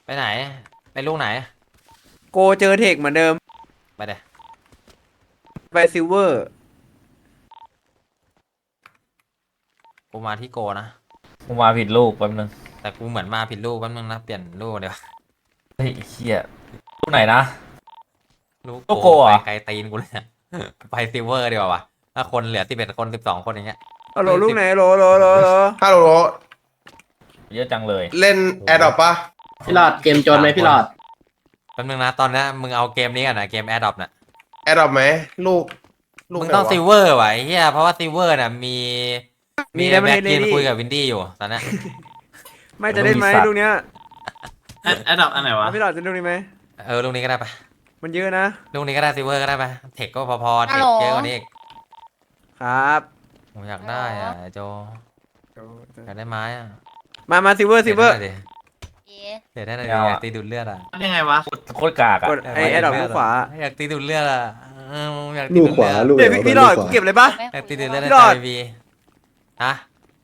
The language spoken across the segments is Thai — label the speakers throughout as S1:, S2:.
S1: ไหนไปลูกไหน
S2: โกเจอเทคเหมือนเดิม
S1: ไปเดี๋ย
S2: ไปซิลเวอร์
S1: กูมาที่โกนะ
S3: กูมาผิดลูกแป๊บนึง
S1: แต่กูเหมือนมาผิดลูกแป๊บนึงนะเปลี่ยนลูกเดี๋ยว
S3: เฮ้ยเฮียลูกไหนนะ
S1: ลูก
S3: ลูกโกอ่ะ
S1: ไปไกลตีนกูเลยเนี่ยไปซิลเวอร์ดีกว่าวะถ้าคนเหลือ11 คน12 คนอย่างเงี้ย
S2: โหลลูกไหนโหล
S4: ฮัลโหล
S3: เยอะจังเลย
S4: เล่นแอดดอปปะ
S5: พี่หลอดเกมโจนไหมพี่หลอด
S1: แป๊บนึงนะตอนนี้มึงเอาเกมนี้กันนะเกมแอดดอปน่ะ
S4: แอดดอปไหมลูก
S1: มึงต้องซิลเวอร์ว่ะไอ้เหี้ยเพราะว่าซิลเวอร์น่ะมีแบ็คกินคุยกับวินดี้อยู่ตอนนี้
S2: ไม่จะเล่นไหมลูกเนี้ย
S5: แอดดอปอันไหนวะ
S2: พี่หลอดจะลูกนี้ไหม
S1: ลูกนี้ก็ได้ปะ
S2: มันเยอะนะ
S1: ลูกนี้ก็ได้ซิลเวอร์ก็ได้ปะเทคก็พอเทคเยอะกว่านี้อีก
S2: ครับ
S1: ผมอยากได้อ่ะโจอยากได้ไม้อ่ะ
S2: มาซิลเวอร์
S1: เดี๋ยวได้เลยอยากตีดูดเลือดอ่ะ
S5: ยังไงวะ
S3: โคตรกากอ่ะ
S2: กดไอ้แอดดอปลูกขวา
S1: อยากตีดูดเลือดอ่ะอยากตี
S6: ลู
S1: ดู
S6: ก
S1: ด
S6: ขวา
S1: เลือด
S6: ลูก
S2: เดี๋ยวพี่หลอดกูเก็บเลยปะ
S1: อยากตีดูดเลือดใน
S2: พี่หลอด
S1: ใจวีฮะ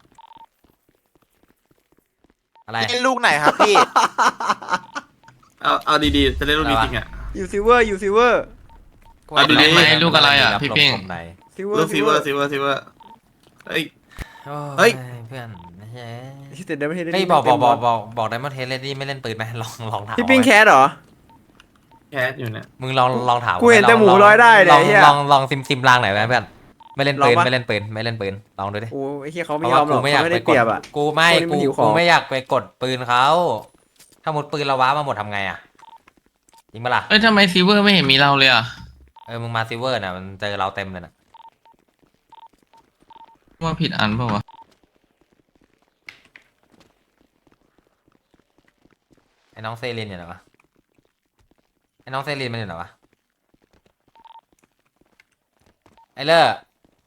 S1: อะไร
S7: เล่นลูกไหนครับพี่
S5: เอาดีๆจะเล่นลูกนี้จริงอ่ะ
S2: อยู่ซิลเวอร์
S5: เอาดูดิลูกอะไรอ่ะพี่เพ่ง
S2: ซิลเวอ
S5: ลู
S2: ร์
S5: กซิเวอร์เฮ้ย
S1: เฮ้ยเพื่อนเฮ้ย
S2: เดี๋ยวไม่ได้
S1: เฮ้ยบอกไดมอนด์เทสเลดี้ไม่เล่นปืนไหมลองถาม
S2: พี่ปิ้งแคสเหรอ
S5: แคสอยู่เนี่ย
S1: มึงลองถาม
S2: กูเห็นแต่หมูร้อยได้เลยไอ้เหี้ย
S1: ลองซิมลางหน่อยไหมเพื่อนไม่เล่นปืนลองดูดิ
S2: โอ้ไอ้เหี้ยเขา
S1: เพ
S2: ไม่
S1: ราะ
S2: ยอ
S1: ว่าม
S2: หร
S1: กู
S2: อก
S1: ไม่อยาก
S2: เขาไม่
S1: ไป
S2: ได้
S1: ก
S2: เปรี
S1: ด
S2: ยบอ่ะ
S1: กูไม่
S2: คนนี้มันหิวของ
S1: กูไม่อยากไปกดปืนเขาถ้าหมดปืนเราว้ามาหมดทำไงอ่ะจริงปะล่ะ
S8: เอ้ยทำไมซิลเวอร์ไม่เห็นมีเราเลยอ่ะ
S1: มึงมาซิลเวอร์น่ะมันเจอเราเต็มเลยนะ
S8: ว่าผิดอันเปล่าวะ
S1: ไอ้น้องเซรินอยู่ไหนวะไอ้น้องเซรินมันอยู่ไหนวะไอ้เลอร์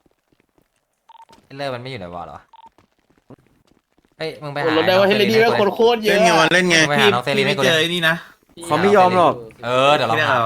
S1: มันไม่อยู่ในวอลหรอเฮ้ยมึงไปหา
S5: รถได้ว่าเฮลิดีว่าคนโคตรเยอะเล่นไงพี่ไม่เจอนี่นะ
S2: เขาไม่ยอมหรอก
S1: เดี๋ยวเราหา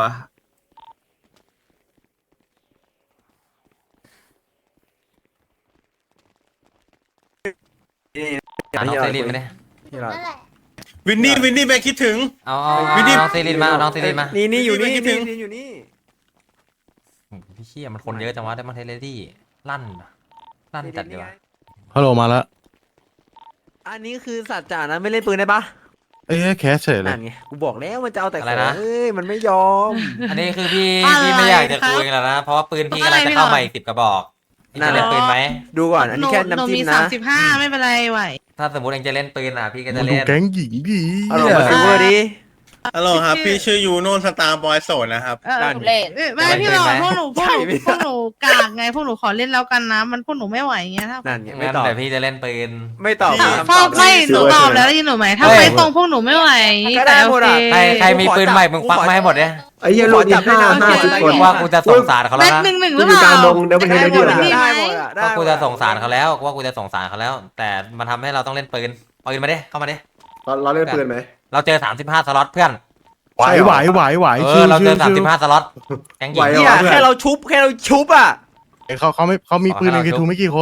S1: น้องเซรินไม่ได้
S2: พี่หลอด
S4: วินนี่แม่คิดถึง
S1: เอาน้องเซรินมา
S2: นี่อยู่นี่
S4: คิดถึง
S2: อยู่นี่
S1: พี่เชี่ยมันคนเยอะจังวะได้มาเทเลดี้ลั่นจัดเลยวะ
S6: ฮัลโหลมาแล้ว
S2: อันนี้คือสัตว์จ่านะไม่เล่นปืนได้ปะ
S6: เอ้ยแคสเฉยเล
S2: นั่
S6: ย
S2: นไงกูบอกแล้วมันจะเอาแต่
S1: อะไร
S2: ของ
S1: นะ
S2: เอ้ยมันไม่ยอม
S1: อันนี้คือพี่ไม่อยากจะคุยแล้วนะเพราะว่าปืนพี่กำลังจะเข้ามาอีก10 กระบอกพี่จะเล่นปืนไหม
S2: ดูก่อนอันนี้แค่น้ำจิ้มนะ
S9: 35ไม่เป็นไรไหว
S1: ถ้าสมมติเองจะเล่นปืนอ่ะพี่ก็จะ
S6: ดู
S1: เล่น
S6: แก๊งหญิงดี
S2: เอาลงมาซิลเวอร์ดิ
S4: ฮัลโหลครับพี่ชื่อยูโน่สตาร์บอยโสดนะครับ
S9: เลทไม่พี่หลอดพวกหนูกากไงพวกหนูขอเล่นแล้วกันนะมันพวกหนูไม่ไหวเงี้ยถ้า
S2: นั่นไงไม่
S1: งั้น
S2: ตอบ
S1: แต่พี่จะเล่นปืน
S2: ไม่ตอบ
S9: พ่อไม่หนูตอบแล้วได้ยินหนูไหมถ้าไม่ตรงพวกหนูไม่ไหวแต่โอเค
S1: ใครมีปืนใหม่มึงปักมาให้หมดเนี่ย
S6: ไอ้เหี้ยโหลดที่50 คน
S1: ว่ากูจะสงสารเขา
S9: แม็
S1: แล้ว
S9: ก
S1: นะ
S9: 1-1หรือเปล่า
S6: ได้หมดอะ
S2: ได้หมดอะได้
S1: ว่า
S2: หม
S1: กู
S2: ด
S1: จะ
S2: อะ
S1: สงสารเขาแล้วแต่มันทำให้เราต้องเล่นปืนมาดิเข้ามาดิ
S6: เราเล่นปืนไหม
S1: เราเจอ35 สล็อตเพื่อน
S6: ไหว
S1: เราเจอ35 สล็อตแก๊งหญิง
S2: เนี่ยแค่เราชุบอ่ะ
S6: เขามีปืนในกีทูไม่กี่คน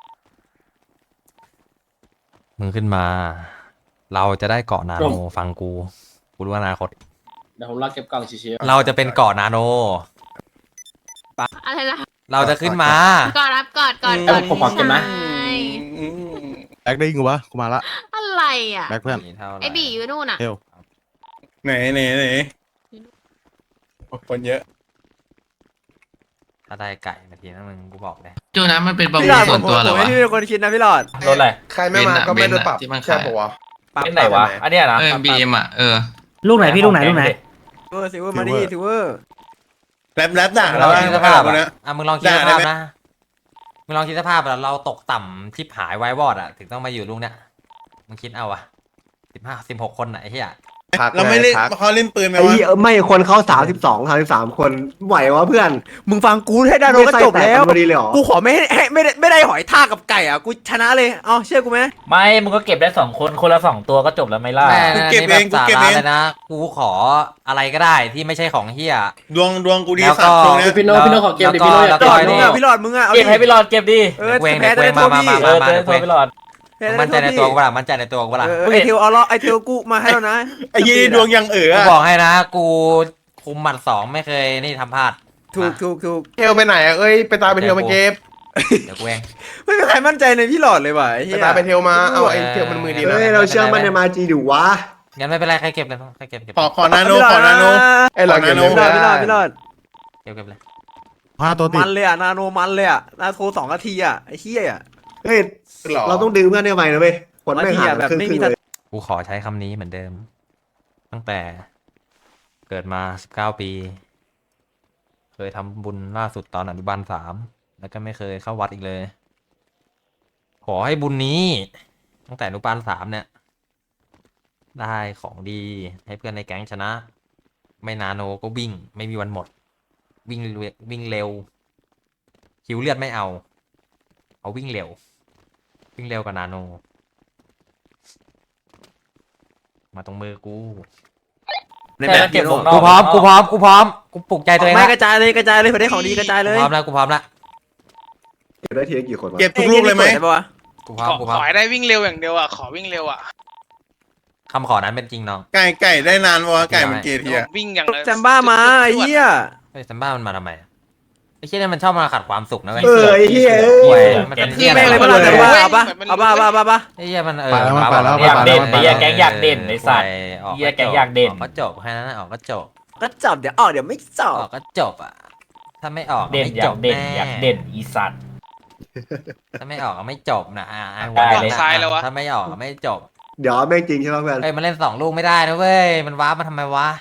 S1: มึงขึ้นมา เราจะได้เกาะนาโนฟังกูรู้อนาคต
S5: เดี๋ยวผมรอเก็บกล่องชิว
S1: เราจะเป็นเกาะนาโน
S9: อะไรล่ะ
S1: เราจะขึ้นมา
S9: กอดรับกอด
S5: ผมขอเก็บนะ
S6: แบ็คได้ยิงกูปะกูมาละ
S9: อะไรอ่ะ
S6: แบ็คเพื่อน
S9: ไอบีอยู่นู่นอ่ะ
S6: เฮล
S4: ไหนคนเยอะ
S1: ถ้าได้ไก่นาทีนั้นมึงกูบอกเลย
S8: จูนะมันเป็นประ
S2: พี่
S8: มู
S2: หล
S8: ล
S2: อด
S8: ส่วนตัวเหรอ
S2: ผม
S8: วะ
S2: ไม่เป็นคนคิดนะพี่หลอด
S3: รถอะไร
S4: ใครไม่มาก็ไม่ได้ปรับ
S8: ที่มันขาย
S4: ใช่ปะวะ
S3: เป็นไหนวะอันเนี้ยนะ
S8: บีเอ็มอ่ะ
S5: ลูกไหนพี่ลูกไหน
S2: ซิลเวอร์มาดิซิลเวอร์
S4: แรปด่า
S1: เรา
S4: แล้ว
S1: คิดสภาพ
S4: นะ
S1: มึงลองคิดสภาพนะมึงลองคิดสภาพเราตกต่ำทิพหายไววอดอ่ะถึงต้องมาอยู่ลูกเนี้ยมึงคิดเอาอะ16 คนไหนเฮีย
S4: เราไม่เล่นเขาเล่นปืนไหม
S6: ไอ้
S4: วะ
S6: ไม่คนเข้า33 คนไหววะเพื่อน
S2: มึงฟังกูให้ได้โดนก็จบแล้ว
S6: พอดีเลยหรอ
S2: กูขอไม่ได้หอยทากกับไก่อ่ะกูชนะเลยเอาเชื่อกูไหม
S3: ไม่มึงก็เก็บได้2 คนคนละ2 ตัวก็จบแล้วไม่ล่ะ
S1: แม่นี่แบบสาระเลยนะกูขออะไรก็ได้ที่ไม่ใช่ของเฮีย
S4: ดวงกูดี
S1: แล้ว
S4: สั
S1: ก็
S4: ตว์ตรงเนี้ย
S5: พี่โน้ขอเก็บดิพี่โน้อยาก
S2: พี่หลอด
S5: เก็บ
S2: มึงอ่ะพี่หลอดมึงอ่ะเอา
S3: เก็บให้พี่หลอดเก็บดิ
S2: เออ
S1: เวง
S2: แพ้จะได้
S1: มา
S2: โทษพี่
S3: เจอพี่หลอด
S1: มั่นใจในตัวกูเปล่ามั่นใจในตัวกูเปล่า
S2: ไอเทลเอาล้อไอเทลกูมาให้แล้วนะ
S4: ไอ้ยี่ดวงยัง
S1: กู
S4: เอ๋อ
S1: บอกให้นะ กูคุมหมัด2ไม่เคยนี่ทำพลาด
S2: ถูก
S6: เทลไปไหนอ่ะเอ้ยไปตายไปเทลมาเก็บ
S1: เดี๋ยวกูเอง
S2: ไม่มีใครมั่นใจในพี่หลอดเลยว่ะไอ้เหี้
S6: ไป
S2: ย
S6: ตายไปเทลมาเอาไอ้เทลมันมือดีนะ
S1: เฮ้ยเราเชื่อมั่นในมาจี
S6: ดิวะ
S1: งั้นไม่เป็นไรใครเก็บเลยใครเก็บ
S4: ขอนาโนขอนาโน
S6: ไอ้หลอด
S4: นาโน
S2: พี่หลอด
S1: เก็บเลย
S6: 5 ตัวติด
S2: มันเลยอ่ะนาโนมันเลยอ่ะนาโท2 นาทีอ่ะไอ้เหี้ยอ่ะ
S6: เฮ้ยเราต้องดึงเพื่อนได้ไหมนะเว้ยคนไม่หา
S2: แบบ
S6: ครึ่ง
S2: ไม่มี
S6: เลย
S1: กูขอใช้คำนี้เหมือนเดิม ตั้งแต่เกิดมา19 ปี เคยทำบุญล่าสุดตอนอนุบาล3แล้วก็ไม่เคยเข้าวัดอีกเลย ขอให้บุญนี้ ตั้งแต่อนุบาล3เนี่ย ได้ของดีให้เพื่อนในแก๊งชนะ ไม่นาโนก็วิ่ง ไม่มีวันหมด วิ่งเร็วคิวเลือดไม่เอาวิ่งเร็ว วิ่งเร็วกว่านาโน มาตรงมือกู
S2: ในแบบ
S3: เก็บ
S2: พี่
S3: วงน
S2: โน่
S3: อก
S1: กูพร้อมกูปลุกใจตัวเอง
S2: ไม่
S1: ละ
S2: กระจายเลยเผื่อได้ของดีกระจายเลย
S1: กูพร้อมแล้วกูพร้อมแล้ว
S6: เก็บได้ทีละกี่คนวะ
S4: เก็บทุกลูกเลยไหม
S2: ได้ปะวะ
S1: กูพร้อมกูพร้อม
S5: ขอให้ได้วิ่งเร็วอย่างเดียวอ่ะขอวิ่งเร็วอ่ะ
S1: คำขอนั้นเป็นจริงน้อง
S4: ไก่ได้นานวะไก่มันเกทีอะ
S5: วิ่งอย่าง
S2: แซมบ้ามาไอ้เหี้ย
S1: เฮ้ยซัมบ้ามันมาทำไมอะไอ้เชี่ยเนี่ยมันชอบมาขัดความสุขนะเว้ย
S6: ไอ้เหี้ย
S1: เว้ยมันเป็น
S2: พี่
S1: เหี้ย
S2: แม่งเลย
S1: อะไร
S2: ปะล่ะ
S1: วะ
S2: แซมบ้าเอาปะ
S1: ไอ้เหี้ยมัน
S6: ไปแล้ว
S3: อยากเด่นไอ้เหี้ยแก๊งอยากเด่นไอ้สัตว์
S1: ออก
S3: เหี้ยแก๊งอยากเด่น
S1: ก็จบแค่นั้นนะออกก็จบ
S2: ก็จับเดี๋ยวออกเดี๋ยวไม่จับ
S1: ออกก็จบอ่ะถ้าไม่ออก
S3: เด่น
S1: ไม่
S3: อ
S1: จ
S3: ยา
S1: บ
S3: กเด่น
S1: แน่
S3: อยากเด่นอีสัตว์
S1: ถ้าไม่ออกก็ไม่จบนะหัว
S3: ได้
S1: เลย
S3: เลย
S5: ซ้ายแล้ววะ
S1: ถ้าไม่ออกก็ไม่จบ
S6: เดี๋ยวแม่งจริงใช่ไหมเพื่อน
S1: เอ้ยมันเล่น2 ลูกไม่ได้นะเว้ยมันว้ามาทำไมวะ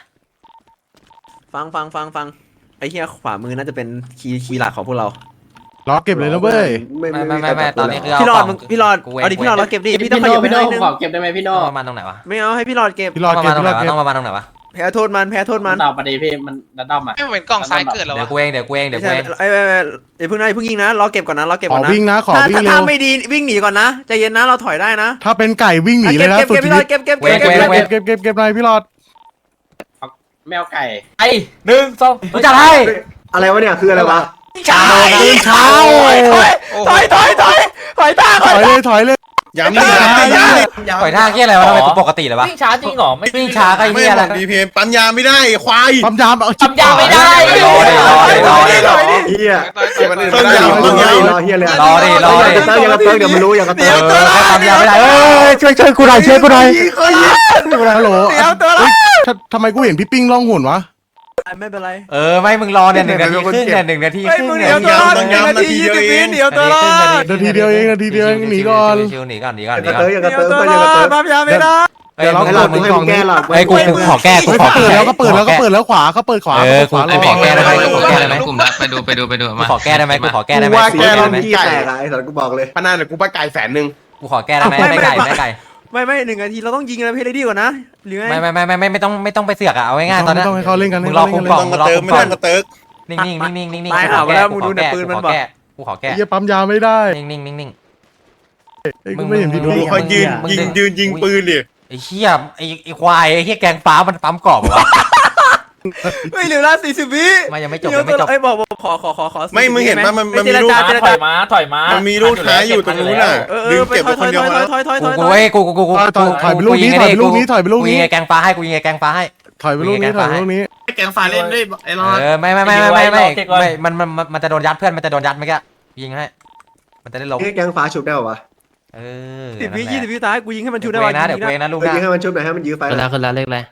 S2: ฟังไอ้เหี้ยขวามือน่าจะเป็นคีย์หลักของพวกเรา
S6: ล็อกเก็บเลยนะเว้ย
S1: ไม่ตอนนี้คือ
S2: พี่หลอด
S1: เา
S2: มึง
S1: ข
S2: พี่หลอด
S1: กูเง
S2: เอาดิพี่หลอดเราเก็บดิพี่ต้อง
S8: พี่
S2: ข
S8: โน่
S2: ยับไป
S8: พี่
S2: ห
S8: โน่
S2: น่อยนึง
S8: ขอเก็บได้ไหมพี่โน่
S1: ต้องประมาณตรงไหนวะ
S2: ไม่เอาให้พี่หลอดเก็บ
S6: พี่รอด
S1: ต้อง
S6: เก็
S1: มา
S6: บ
S1: ตรง
S6: พี่
S1: ไหน
S6: รอดเก็บ
S1: วะต้องประมาณตรงไหนวะ
S2: แพ้โทษมัน
S8: ตอบมาดีพี่มันดันด้อมอ่ะ
S5: ไม่เหมือนกล่องซ้ายเกิดแล้ว
S1: เดี๋ยว
S5: วะ
S1: กูเองเดี๋ยวกูเอง
S2: ไม่ใช่ไอ้อย่าเพิ่งยิงนะรอเก็บก่อนนะรอเก็บ
S6: ข
S2: ก่
S6: อ
S2: อนนะ
S6: วิ่งนะขอวิ่งเร็
S2: ถ้าว ไม่ดีวิ่งหนีก่อนนะใจเย็นนะเราถอยได้นะ
S6: ถ้าเป็นไก่วิ่งหนีเลยนะ
S2: เก็บ
S6: สุด
S2: เก็บ
S6: ชี
S2: พี่หล
S6: วิ
S2: อ
S6: ต
S2: ดเก็บ
S6: เก็บหน่อยพี่รอด
S8: แมวไก่
S3: ไอ้1 2กูจัดให้
S6: อะไรวะเนี่ยคืออะไรวะ
S2: เช้า
S6: ตื่นเช้า
S2: ถอยตา
S6: ถอยเลย
S4: ย้ำดิย้ำดิย้ำดิ
S1: ปล่อยท่าเกี้ยอะไรวะทำไมกูปกติเลยวะ
S3: วิ่งช้าจริงเหรอไม่
S1: วิ่งช้าก็
S4: ไม่
S1: เหี้ย
S4: บ
S1: อะไร
S4: อกดีพีปั๊มยาไม่ได้ควาย
S6: ปั๊มยามเอา
S3: ทำยาไม่ได้
S1: รอดิ
S6: เฮีย
S4: ต้นยาวต้นยาว
S6: รอเฮียเลย
S1: รอดิ
S6: อย่ากระเติ้งเดี๋ยวมันรู้อย่ากระเติ้ง
S1: แค่ทำยาไม่ได้ช่วยกูหน่อยกูหน่อย
S6: ฮัลโหล
S2: เดี๋ยวตัวละ
S6: ทำไมกูเห็นพี่ปิ้งล่องหุ่นวะ
S2: ไม่เป็นไร
S1: ไม่มึงรอเนี่ย1 นาทีครึ่งเนี่ย1 นาทีครึ่งเนี่ย
S2: เดี๋ยวตัวละนาที20 วิเดี๋ยวตัวละ
S6: นาทีเดียวเองหนีก่อน
S1: ชิวๆหนีก่อน
S6: อย่ากระเติ้งอย่ากระ
S2: เดี๋ยว
S6: เติ้ง
S2: ตัว
S6: อย่ากระ
S2: ละ
S6: เติ้ง
S2: ปั๊มยาไม่ได้
S1: เฮ้ย
S6: เรา
S1: มึง
S6: ให้
S1: มึง
S6: มึงแก้หรอก
S1: เฮ้ยกูขอแก้กูขอ
S6: เปิด
S1: แก้
S6: แล้วก็เปิดแล้วขวาเขาเปิดขวา
S1: กูขอแก้ได้ไหมกูขอแก้ได้ไหม
S8: กลุ่มละไปดู
S1: กู
S8: มา
S1: ขอแก้ได้ไหมกูขอแก้ได้ไหม
S6: ว่า
S1: กู
S6: แก
S1: ขอแก้
S6: เรา
S1: ได้ไหม
S6: ขี้แตกไอ้สัตว์กูบอกเลย
S7: พนันเดี๋ยวกูไปไก่100,000
S1: กูขอแก้ได้ไหมไม่ไก่
S2: ไม่1 นาทีเราต้องยิงอะไรให้ได้ดีกว่านะหรือไง
S1: ไม่ต้องไปเสือกอะเอาง่ายๆตอนนี้
S6: ต้องให้เขาเล่นกัน
S1: มึงรอคุมกล่อง
S4: ต้องกระเติกไม่ต้องกระเติก
S1: นิ่ง
S2: ตายห่าไปแล้วมึงดูเนี่ยปืนมันบอก
S1: กูขอแก้
S6: เฮียปั๊มยาไม่ได้
S1: นิ่ง
S6: กูไม่เห็นพี่ดู
S4: ดูเขายืนยิงปืนดิ
S1: ไอ้เหี้ยไอ้ควายไอ้เหี้ยแกงฟ้ามันปั๊มกรอบวะ
S2: ไม่เหลือละ40 วิ
S1: มันยังไม่จบยังไม่จบ
S2: ไอ้บอกขอ
S4: ไม่มึงเห็นป่ะมันมี
S2: เจร
S4: ลูก
S2: จา
S3: ถอยมา
S4: มันมีลูกท้ายอยู่ตรงนู้นน่ะดึงเก็บไปคนเดียวมา
S2: ถอย
S1: กูเว้ยกู
S6: ถอยไปลูกนี้ถอยไปลูกนี้ถอยไปลูก
S1: กู
S6: นี้
S1: ยิงแกงฟ้าให้กูยิงแกงฟ้าให้
S6: ถอยไปลูกนี้ถอยไปลูกนี้
S8: แกงฟ้าเล่นด้วยไอ้รอด
S1: ไม่มันจะโดนยัดเพื่อนมันจะโดนยัดเมื่อกี้ยิงให้มันจะได้ล้ม
S6: เฮ้ยแกงฟ้าชุบได้ป่าวะ
S2: 10 วิ20 วิท้ายกูยิงให้มันชูได้
S1: เดี๋ยว
S2: ว่ะ
S1: เดี๋ยวเวนะลูก
S6: ยิ
S1: นะ
S6: งให้มันชุบหน่อยให้มันยื้อไฟ
S7: ขึ้นแล้วเลขอะไร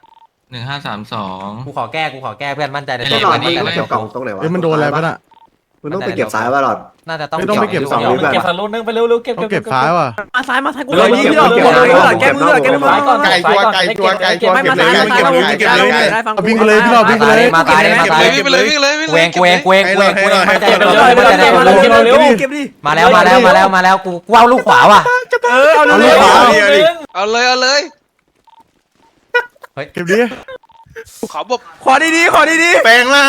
S8: 1532
S1: กูขอแก้เพื่อนมั่นใจใน
S6: ไม่
S1: ตัว
S6: หลอด
S1: มั่นใจ
S6: มัน
S1: ใน
S6: เก็
S1: ตั
S6: บ
S1: ว
S6: กล่องตรงไหนวะ
S7: มันโดนอะไรป่ะน่ะ
S6: มันต้องไปเก็บสายป่ะหลอด
S1: น่าจะต้อง
S6: ไม่ต้องไปเก็บสองลูก
S3: เก็บสักลูกนึงไปเร็วๆเก็บ
S6: ต้องเก็บซ้ายว่ะ
S2: มาซ้ายกูเลยนี่พี่หลอดแก้มือแก้มือ
S7: ไก่ชัวร์เก็บ
S2: ไม่
S7: เลย
S2: มาซ้ายได้ฟัง
S6: วิ่งไปเลยพี่หลอดวิ่งไปเลย
S1: มาตายมาตาย
S5: วิ่งไปเลย
S1: กูเองมั่นใจในตัวมั่นใจในตัว
S2: เก็บดิ
S1: มาแล้วกูเอาลูกขวาว่ะ
S2: เอาเลย
S5: เอาเลย
S6: เก็บดิ
S5: ขอบบ
S2: ขอดีๆ
S4: แปลงร่าง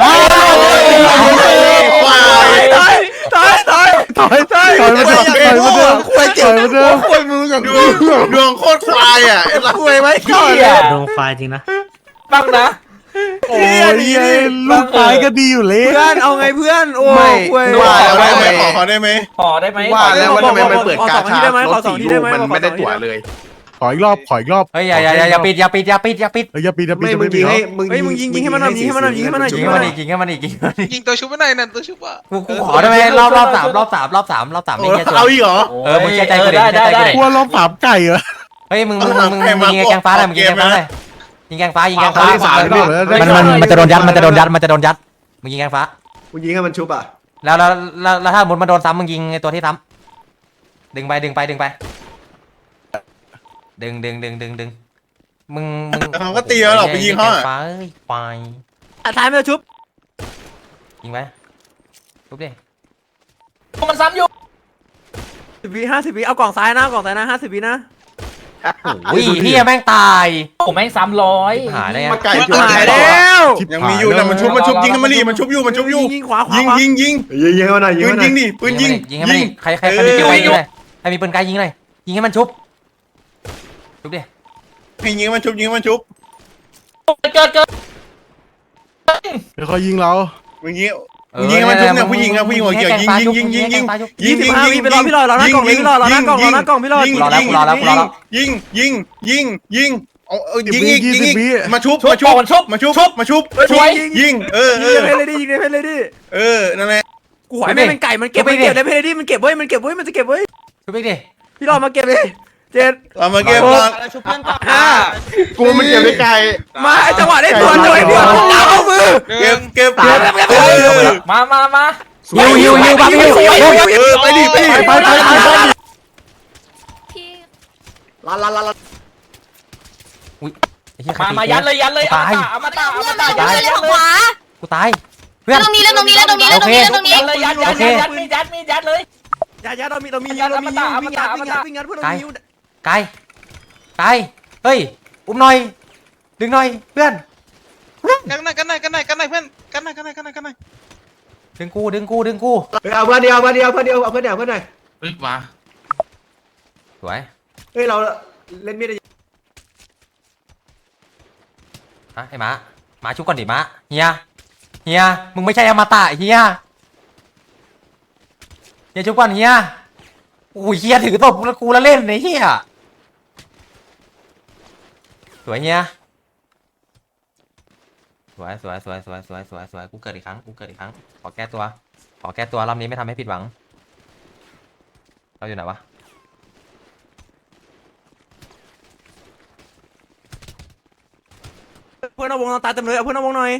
S2: ถอยมาเดิม
S6: คุยเจ็บมาเดิม
S4: คุยมือกับดวงโคตรควายอ่ะไอ้ละ
S2: คุยไว้ก่อน
S3: ดวงไฟจริงนะบ้างนะ
S2: โอ้ย
S3: ลูกตายก็ดี
S2: เพื่อนเอาไงเพื่อนโอ้
S7: ไม่
S2: ยเว้ย
S7: ว่า
S4: ขอ
S7: แล้ว
S4: ได้ไหม
S7: ทำไม
S4: ขอได้ไหม
S3: ขอได้ไหม
S7: ว่าแล้วว่าทำไมมันเปิดกา
S2: ขอสองที
S7: ชา
S2: ได้ไหม
S7: ร
S2: ขอ
S7: ถ
S2: สอง
S7: สี่
S2: ที
S7: ลู
S2: ได้
S7: ก
S2: ไหม
S7: มันไม่ได้ตั๋วเลย
S5: ขออีกรอบขออีกรอบ
S1: เฮ้ยอย่าปิดอย่าปิดอย่าปิดอย่าปิด
S5: เฮ้ยอย่าปีอย่าปี
S6: ไม่
S5: อย่า
S6: มึง
S5: ปี
S6: ยิงให้
S2: เฮ้ยมึงยิงให้มันหน่อยยิงให้มันหน่อยยิงให้มันหน่อย
S1: ยิงให้มันอีกยิงให้มันอีกยิงให้มันอีก
S8: ยิงตัวชุบไม่ได้นั่นตัวชุบอ่ะ
S1: กูขอได้ไหมรอบสามไม่แค่
S4: เอาอีกเหรอ
S1: มึงเชื่อใจกูดิ
S3: ได้
S5: กลัวรอบสามไก่เหรอ
S1: เฮ้ยมึงยิงแกงฟ้าหน่อยมึงยิงแกงฟ้าหน่อยยิงแกงฟ้ายิงแกงฟ้ามันจะโดนยัดมึงยิงแกงฟ้า
S6: มึงยิงให้มันชุบอ่ะ
S1: แล้วถ้ามุดมาโดนซ้ำมึงยิงไอตัวที่ซ้ำดึงไปดึงมึง
S4: เขาก็ตีแล้วหรอกไปยิงเขาอ่ะ
S1: ฟ้าเอ้ยควาย
S2: ท้ายไม่ต้องชุบ
S1: ยิงไปทุบดิ
S3: มันซ้ำอยู่
S2: 50 วิเอากล่องซ้ายนะกล่องซ้ายนะ50 วินะ
S1: อุ้ยเฮียแม่งตาย
S3: ผมแม่ง300
S1: หายได้ไง
S7: มาไก่จ
S2: หาย
S7: แล้
S2: แล้ว
S4: ยังมีอยู่แต่มันชุบยิงให้มันดิมันชุบอยู่
S2: ยิงขวา
S4: ยิง
S6: ยิงให้มันหน่อยยิง
S4: ปืน
S6: ให้มันหน่
S4: ยิ
S6: อย
S4: งดิปืนยิง
S1: ยิงให้มันใครมีปืนไกลยิงเลยใครมีปืนไกลยิงเลยยิงให้มันชุบดิ
S4: ให้ยิงมันชุบยิงมันชุบ
S3: เกิด
S5: เดี๋ยวเขายิงเรา
S4: มึงยิงยิงให้มันชุบเนี่ยผู้หญิงหัวเขียวยิง
S2: 25 วิไปรอพี่ลอยรอหน้ากล่องเลยพี่ลอยรอหน้ากล่องรอหน้ากล่องพี่ลอย
S4: ยิงยิงมาชุบยิง
S2: ยิงเลยดิยิงเลยดิ
S4: นั่นแหละ
S2: กูหอยไม่เป็นไก่มันเก็บได้เพลดิมันเก็บไว้มันจะเก็บไว้
S1: ชุบดิ
S2: พี่ลอยมาเก็บเลยเจ็ด
S4: เรามาเก็บก่อน
S7: กูมันเกี่ยวกับไก่
S2: มาจังหวะได้ตัวจังหวะเดียวเอามือ
S4: เก็บ
S3: มา
S1: ยิวบังยิว
S4: ไปดิไป
S6: ลัน
S3: มายัดเลยอมตะ
S10: เพื่อนมาเพื่อนขวา
S1: กูตายเพื่อน
S10: ตรงนี้แล้วตรงนี้แล้วตรงนี้แล้วตรงนี้แล้วตรงนี้
S3: เลยยัดเลย
S2: ยาเรามีวิ่งงัดเพื่อนเรามี
S1: ไกลเฮ้ยอุ้มหน่อยดึงหน่อยเพื่อน
S8: กันหน่อยเพื่อนกันหน่อยกันหน่อย
S1: ดึงกู
S6: เอาเพื่อนเดียวเอาเพื่อนเดียวเอาเพื่อนเดียวเอาเพื่อนหน่อย
S8: เฮ้ยว้า
S1: สวย
S6: เฮ้ยเราเล่นมีด
S1: ฮะไอ้ม้าชุบก่อนดิม้าเฮียมึงไม่ใช่อมตะเฮียชุบก่อนเฮียอุ้ยเฮียถือตบกูแล้วเล่นไอ้เฮียสวยเฮียสวยกูเกิดอีกครั้งขอแก้ตัวรอบนี้ไม่ทำให้ผิดหวังเราอยู่ไหนวะ
S2: เพื่อนเอาวงตายเต็มเลยเอาเพื่อนเอาวงหน่อย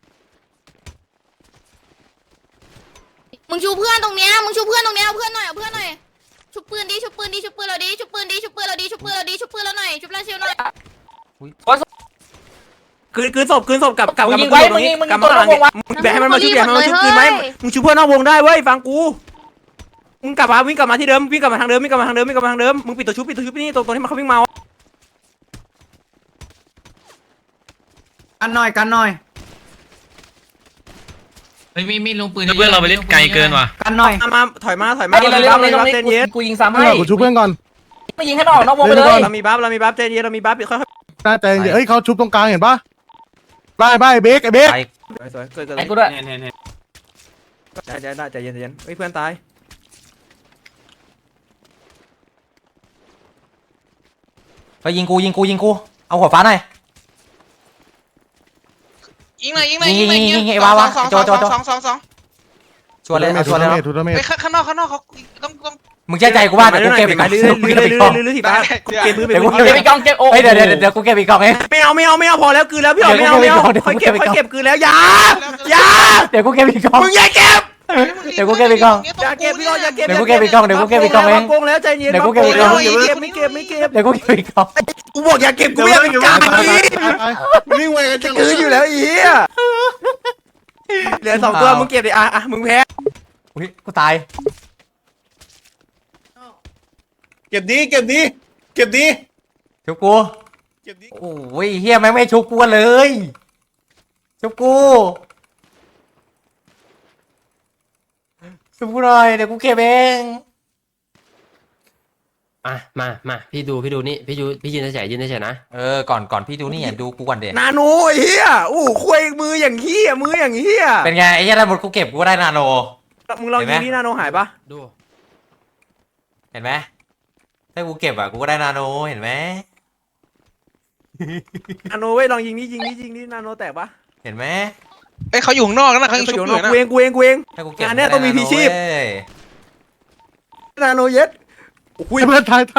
S10: มึงชูเพื่อนตรงเนี้ยเอาเพื่อนหน่อยเอาเพื่อนหน่อยชุบปืนเราดิชุบปืนเราหน่อยชุบเราเชียวหน่อย
S2: คืนศพกับมาหลังมึงแบกให้มันมาชุบชุบคืนไหมมึงชูเพื่อนนอกวงได้เว้ยฟังกูมึงกลับมาวิ่งกลับมาที่เดิมวิ่งกลับมาทางเดิมมึงปิดตัวชุบนี่ตรงที่มันเขาวิ่งมา
S8: กันหน่อยเฮ้ยมีลงปืนเพื่อนเราไปเล่นไกลเกินว่ะ
S2: กันหน่อยมาถอยมาเจนเย็น
S3: กูยิงซ้ำให้
S5: กูชุบเพื่อนก่อน
S3: ไม่ยิงให้มันออกนอกวงไปเลย
S2: เรามีบัฟเจนเย็นเรามีบัฟค่อย
S5: น่าใจเย็นเฮ้ยเขาชุบตรงกลางเห็นปะไล่เบกไอ้เบก
S2: สวยเกิด
S3: ไอ้กูด้วย
S2: ใจเย็นเฮ้ยเพื่อนตาย
S1: ไปยิงกูเอาหัวฟ้าหน่อย
S8: ยิงหน่อย
S1: ยิงไอ้วาวะโจชวนเลย
S5: ทูดาเมจ
S8: ไปข้างนอกเขาต้อง
S1: มึงเชื่อใจกูว่าเดี๋ยวกูเก็บอีกกล่อง
S2: ลื้อถีบเก็บมือ
S3: เก็บอีกกองเก็บโอ้
S1: เดี๋ยวกูเก็บอีกกล่องเอง
S2: ไม่เอาพอแล้วคืนแล้วพี่หลอดไม่เอาค่อยเก็บคืนแล้วอย่า
S1: เดี๋ยวกูเก็บอีกกล่อง
S2: มึงอย่าเก็บ
S1: เดี๋ยวกูเก็บอีกกล่อง
S2: อย่าเก็บพี่หลอดอย่าเก็บ
S1: เดี๋ยวกูเก็บอีกกล่อง
S2: โกงแล้วใจเย็นไม่เก็บ
S1: เดี๋ยวกูเก็บอีกกล่อง
S2: กูบอกอย่าเก็บกูไม่เป็นกลางอี
S4: วิ่งไวกันจัง
S2: คืออยู่แล้วอีเหลือ2ตัวมึงเก็บดิอ่ะมึงแพ้
S1: อุ้ยกูตาย
S4: เก็บดี
S1: ชุบกูโอ้ยเฮียแม่งไม่ชุบกูเลยชุบกูหน่อยเดี๋ยวกูเก็บเอง
S5: มาพี่ดูนี่พี่ยืนเฉยนะ
S1: ก่อนพี่ดูนี่ดูกูก่อนเด็
S2: นาโนไอ้เหี้ยอู้คุยมืออย่างเหี้ยมืออย่างเหี้ย
S1: เป็นไงไอ้เหี้ยถ้าหมดกูเก็บกูก็ได้นาโน
S2: มึงลอง
S1: เห็นไหม
S2: ยิงนี่นาโนหายปะ
S5: ดู
S1: เห็นไหมถ้ากูเก็บกูก็ได้นาโนเห็นไหม
S2: นาโนเว้ยลองยิงนี่นาโนแตกปะ
S1: เห็นไหม
S8: เอ้ยเขาอยู่ข้างนอกนะเขายังชุบ
S2: เดี๋ยว
S8: อยู่นะ
S2: กูเอง
S1: ถ้ากูเก็บ
S2: งานเนี้ยต้องมีพีชีพ
S1: เว้ย
S2: นาโนเย็ดโอ้ยเพื่อนตาย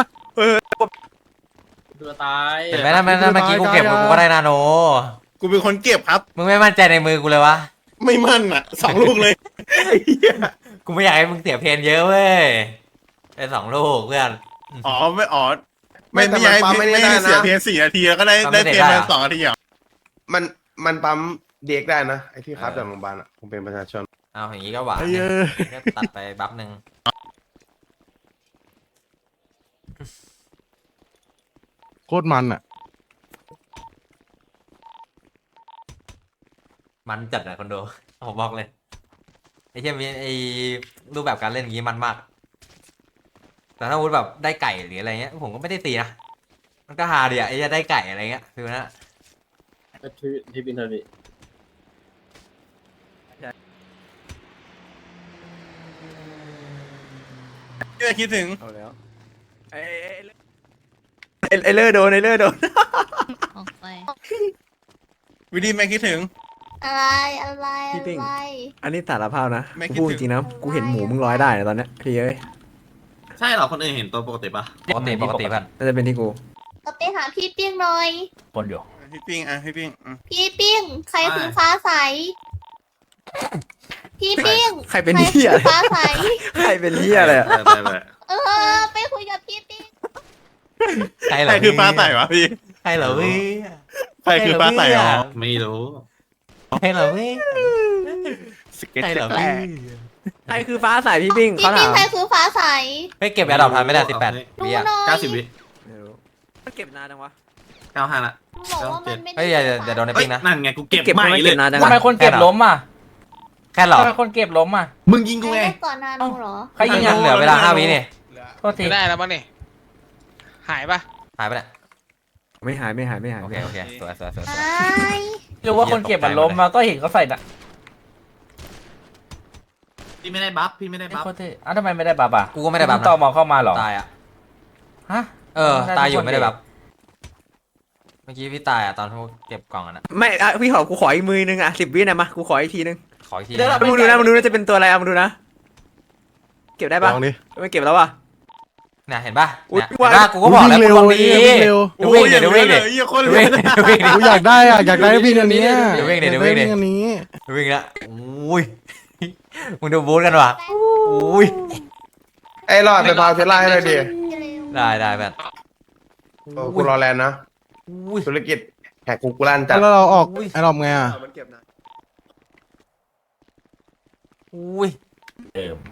S3: ตัวตาย
S1: เห็นไหมถ้าเมื่อกี้กูเก็บกูก็ได้นาโน
S4: กูเป็นคนเก็บครับ
S1: มึงไม่มั่นใจในมือกูเลยวะ
S4: ไม่มั่นอ่ะ2 ลูกเลย
S1: กูไม่อยากให้มึงเสียเพนเยอะเว้ยได้2 ลูกเพื่อน
S4: อ๋อไม่อยากให้ไม่ให้เสียเพียง4 นาทีแล้วก็ได้เพียงแค่2 นาทีอ่ะ
S7: มันปั๊มเด็กได้นะไอ้ที่ครับจากโรงพยาบาลอ่ะผมเป็นประชาชน
S1: เอาอย่างนี้ก็หวานก็ตัดไปบัฟหนึ่ง
S7: โคตรมันอ่ะ
S1: มันจัดอะคอนโดผมบอกเลยไอ้เช่นไอ้รูปแบบการเล่นอย่างนี้มันมาก แต่ถ้าพูดแบบได้ไก่หรืออะไรเงี้ยผมก็ไม่ได้ตีนะมันก็ฮาดีอะไอ้จะได้ไก่อะไรเงี้ยคือนะ
S3: ที่บินเทอร์บิ
S4: ไม่คิดถึง
S2: เอาแล้วไอ้เลอร์โดน
S10: ออกไป
S4: วิธีไม่คิดถึง
S10: อะไร
S2: พี่ปิ้ง
S10: อะไร
S2: อันนี้สารภาพนะ
S4: ไม่
S2: กู
S4: คิด
S2: พูด
S4: ถึง
S2: จริงนะกูเห็นหมูมึงร้อยได้นะตอนเนี้ยพี่เอ้ย
S8: ใช่เหรอคนอื่นเห็นตัวปกติปะ
S1: ปกติเพื่อน
S2: น่าจะเป็นที่กู
S10: ก็ไปหาพี่ปิ้งหน่อย
S3: คนอยู่
S4: พี่ปิ้งอ่ะพี่ปิ้ง
S10: พี่ปิ้ง ใครคือฟ้าใส พี่ปิ้ง
S2: ใครเป็นเหี้ย
S10: ใครคือฟ้าใส
S2: ใครเป็นเหี้ยอะไรอะ
S10: เออ ไปคุยกับพี่ปิ้ง
S1: ใครเหร
S4: ใคร
S1: อ
S4: คือฟ้าใสวะพี่
S1: ใครเหรอพี่
S4: ใครคือฟ้าใสอ๋อ
S8: ไม่รู้
S1: ใครเหรอพี่ใครเหรอพี่
S2: ใครคือฟ้าใสพี่ปิ้ง
S10: พี่
S2: เขา
S10: ปิ้
S2: ถาง ม
S10: ใครคือฟ้าใส
S1: ไม่เก็บแอร์ดรอปทันไม่ได้18
S10: ดู
S1: วิ
S10: ห
S1: อะ
S10: น่อย
S8: 90 วิ
S2: ไม่รู้มันเก็บนานจังวะ
S8: 95ละ
S10: บอกว่ามันไม่ได้
S1: เฮ้ยอย่าโดนในปิ้งนะ
S8: นั่นไงกูเก็บ
S2: เก็บ
S8: ใหม่
S2: ไม่
S8: เล
S2: เก็
S8: ย
S2: บนานจัง
S3: ทำไม
S2: วะ
S3: คนเก็บล้มอ่ะ
S1: แค่หรอ
S3: ทำไมคนเก็บล้มอ่ะ
S8: มึงยิงกูไง
S10: ไม่ได้ก่อนนานโนเหรอ
S3: ใครยิง
S1: ยั
S3: อ่ะ
S1: งเหลือเวลา5 วินี่
S3: โทษที
S8: ไม่ได้แล้วมั้งนี่หายปะ
S1: หายไปแล้ว
S2: ไม่หาย
S1: โอเคสวย
S10: ไอ้
S3: รู้ว่าคนเก็บมันล้มมาก็เห็นเขาใส่น่ะ
S8: พี่ไม่ได้บัฟพี่ไม่ได้บัฟ
S3: โคตรเท่อ้าวทำไมไม่ได้บัฟอ่ะ
S1: กูก็ไม่ได้บัฟ
S3: ต่อ
S1: นะ
S3: มอเข้ามาเหรอ
S1: ตายอ่ะ
S3: ฮะ
S1: ตายอยู่ไม่ได้บัฟเมื่อกี้พี่ตายอ่ะตอนที่เก็บกล่องอ่ะนะ
S2: ไม่อะพี่ขอกูขออีกมือนึงอ่ะ10 วินะมากูขออีกทีนึง
S1: ขออีกที
S3: เดี๋ยวเรา
S2: มึงดูนะจะเป็นตัวอะไรอ่ะมึงดูนะ เก็บได้ปะ
S7: ลองดิ
S2: ไม่เก็บแล้วว่ะ
S1: เนี่ยเห็นป่ะ
S2: อุ๊ย
S1: เนี่ยเห็นป่ะกูก็บอกแล้วกูลองดี
S7: วิ่งเร็ว
S1: ดูวิ่งเดี๋ยวดูวิ่งดิ
S4: เหี้ยคน
S1: ดู
S4: เล
S1: วิ่
S4: ย
S1: งดูวิ่งดิ
S7: กูอยากได้อ่ะอยากได้วิ่งอันนี้
S1: เดี๋ยววิ่งดิเดี๋ยววิ่งดิ
S7: อันนี้
S1: ดูวิ่งละอุ้ยมึงดูบูธกันว่ะอุ้ย
S7: ไอ้รอดไปพาวเทสลาให้หน่อยดิ
S1: ได้แบบ
S7: กูรอแลนด์นะ
S1: อุ้ย
S7: ธุรกิจแหกกูลั่นจัด
S5: แล้วเราออกไอ้รอบไงอ่ะ
S6: มันเก็บนาน
S1: อุ้ย